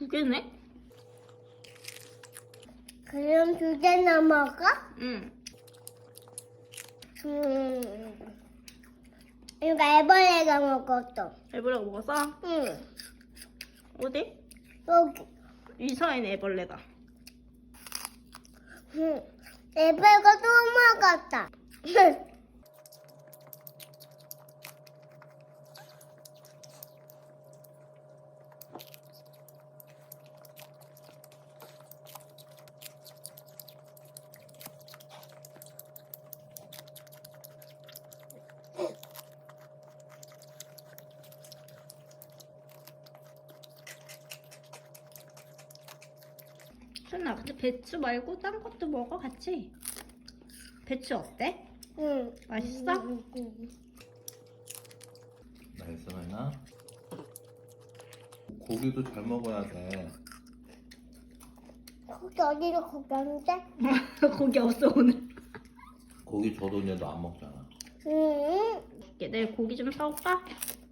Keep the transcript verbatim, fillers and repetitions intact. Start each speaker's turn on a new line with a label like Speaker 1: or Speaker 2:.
Speaker 1: 두 개네?
Speaker 2: 그럼 두 개나 먹어?
Speaker 1: 응.
Speaker 2: 음. 이거 애벌레가 먹었어.
Speaker 1: 애벌레가 먹었어?
Speaker 2: 응.
Speaker 1: 어디?
Speaker 2: 여기.
Speaker 1: 이 사이는 애벌레다.
Speaker 2: 응. 애벌레가 또 먹었다.
Speaker 1: 순아, 근데 배추 말고 딴 것도 먹어, 같이. 배추 어때?
Speaker 2: 응.
Speaker 1: 맛있어?
Speaker 2: 응, 응.
Speaker 3: 맛있어, 나이나? 고기도 잘 먹어야 돼.
Speaker 2: 거기 어디로 거겼는데?
Speaker 1: 고기 없어, 오늘.
Speaker 3: 고기 줘도 이제 너 안 먹잖아.
Speaker 2: 응.
Speaker 1: 내일 고기 좀 사올까?